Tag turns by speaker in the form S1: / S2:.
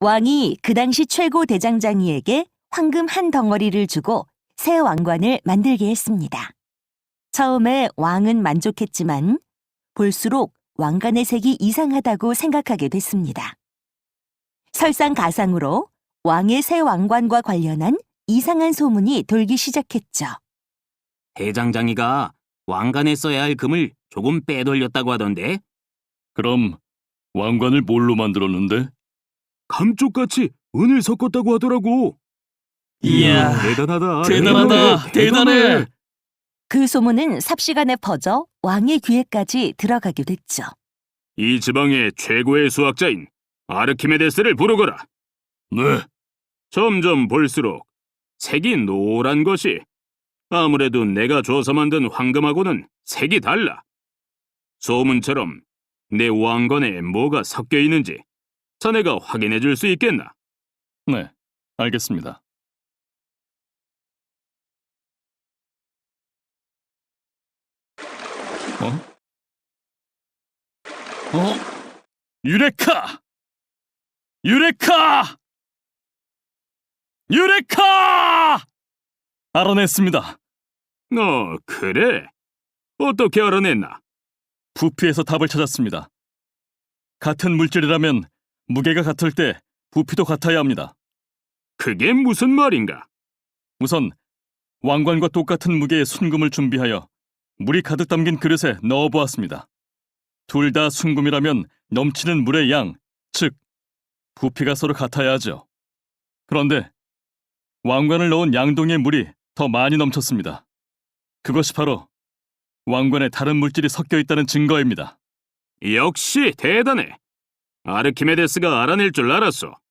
S1: 왕이 그 당시 최고 대장장이에게 황금 한 덩어리를 주고 새 왕관을 만들게 했습니다. 처음에 왕은 만족했지만 볼수록 왕관의 색이 이상하다고 생각하게 됐습니다. 설상가상으로 왕의 새 왕관과 관련한 이상한 소문이 돌기 시작했죠.
S2: 대장장이가 왕관에 써야 할 금을 조금 빼돌렸다고 하던데?
S3: 그럼 왕관을 뭘로 만들었는데?
S2: 감쪽같이 은을 섞었다고 하더라고.
S3: 이야,
S2: 대단하다.
S3: 대단하다, 대단해.
S1: 그 소문은 삽시간에 퍼져 왕의 귀에까지 들어가게 됐죠.
S2: 이 지방의 최고의 수학자인 아르키메데스를 부르거라.
S3: 네,
S2: 점점 볼수록 색이 노란 것이 아무래도 내가 줘서 만든 황금하고는 색이 달라. 소문처럼 내 왕관에 뭐가 섞여 있는지 자네가 확인해 줄 수 있겠나?
S3: 네, 알겠습니다. 유레카! 유레카! 유레카! 알아냈습니다.
S2: 그래? 어떻게 알아냈나?
S3: 부피에서 답을 찾았습니다. 같은 물질이라면 무게가 같을 때 부피도 같아야 합니다.
S2: 그게 무슨 말인가?
S3: 우선 왕관과 똑같은 무게의 순금을 준비하여 물이 가득 담긴 그릇에 넣어보았습니다. 둘 다 순금이라면 넘치는 물의 양, 즉 부피가 서로 같아야 하죠. 그런데 왕관을 넣은 양동이의 물이 더 많이 넘쳤습니다. 그것이 바로 왕관에 다른 물질이 섞여 있다는 증거입니다.
S2: 역시 대단해. 아르키메데스가 알아낼 줄 알았어.